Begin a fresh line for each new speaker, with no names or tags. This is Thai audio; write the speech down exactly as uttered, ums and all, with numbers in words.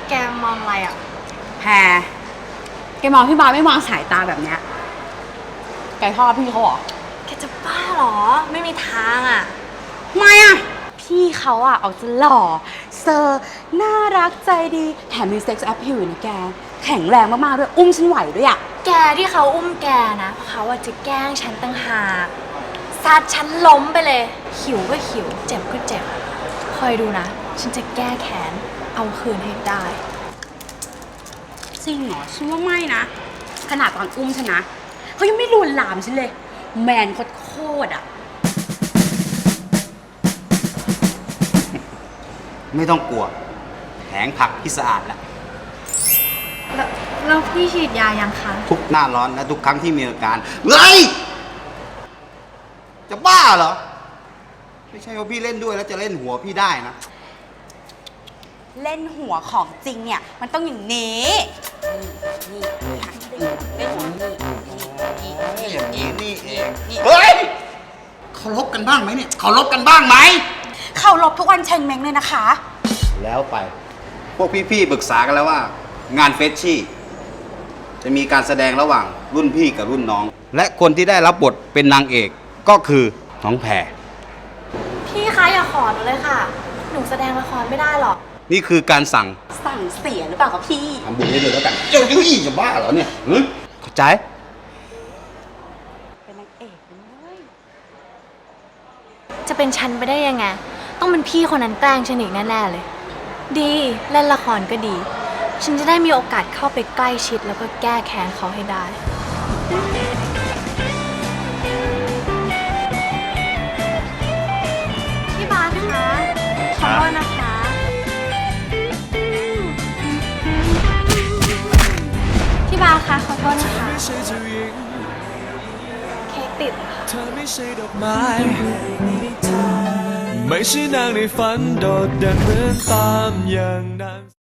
แกมองอะไรอ่ะ
แพรแกมองพี่บาสไม่วางสายตาแบบเนี้ยแกชอบพี่เขาเหรอ
แกจะบ้าเหรอไม่มีทางอ่ะ
ไม่อ่ะพี่เขาอ่ะออกจะหล่อเซอร์น่ารักใจดีแถมมีเซ็กซ์แอพพิวนะแกแข็งแรงมากๆด้วยอุ้มฉันไหวด้วยอ่ะ
แกที่เขาอุ้มแกนะเพราะเขาจะแกล้งฉันตั้งหากซัดฉันล้มไปเลยหิวก็หิวเจ็บก็เจ็บคอยดูนะฉันจะแก้แค้นเอาคืนให้ได้
จริงเหรอฉันว่าไม่นะขนาดตอนอุ้มฉันนะเขายังไม่ลวนลามฉันเลยแมนโคตรๆอ่ะ
ไม่ต้องกลัวแผงผักที่สะอาดแล้ว
แล้วแล้วพี่ฉีดยายังคะ
ทุกหน้าร้อนและทุกครั้งที่มีอาการเฮ้ยจะบ้าเหรอไม่ใช่ว่าพี่เล่นด้วยแล้วจะเล่นหัวพี่ได้นะ
เล่นหัวของจริงเนี่ยมันต้องอย่างนี้นี่นี่เล่นหัวนี่นี่
อย่างนี้นี่เองเฮ้ยเคารพกันบ้างไหมเนี่ยเคารพกันบ้างไหม
เคารพทุกวันเชงเม้งเลยนะคะ
แล้วไปพวกพี่ๆปรึกษากันแล้วว่างานเฟชชี่จะมีการแสดงระหว่างรุ่นพี่กับรุ่นน้องและคนที่ได้รับบทเป็นนางเอกก็คือน้องแพร
พี่คะอย่าขอหนูเลยค่ะหนูแสดงละครไม่ได้หรอก
นี่คือการสั่ง
สั่งเสียหรือเปล่าครับพี่
ทำบุญได้เลยแล้วกันเจ้ายี่จะบ้าเหรอเนี่ยเข้าใจ
เป็นนางเอกเลย
จะเป็นฉันไปได้ยังไงต้องเป็นพี่คนนั้นแกล้งฉันอีกแน่ๆเลยดีเล่นละครก็ดีฉันจะได้มีโอกาสเข้าไปใกล้ชิดแล้วก็แก้แค้นเขาให้ได้พี่บาสคะขอโทษนะคะพี่บาสคะขอโทษนะคะเค้กติดเธอไม่ใช่ดอกไม้ไม่ใช่นางในฝันโดดเด่นเหมือนตามอย่างนั้น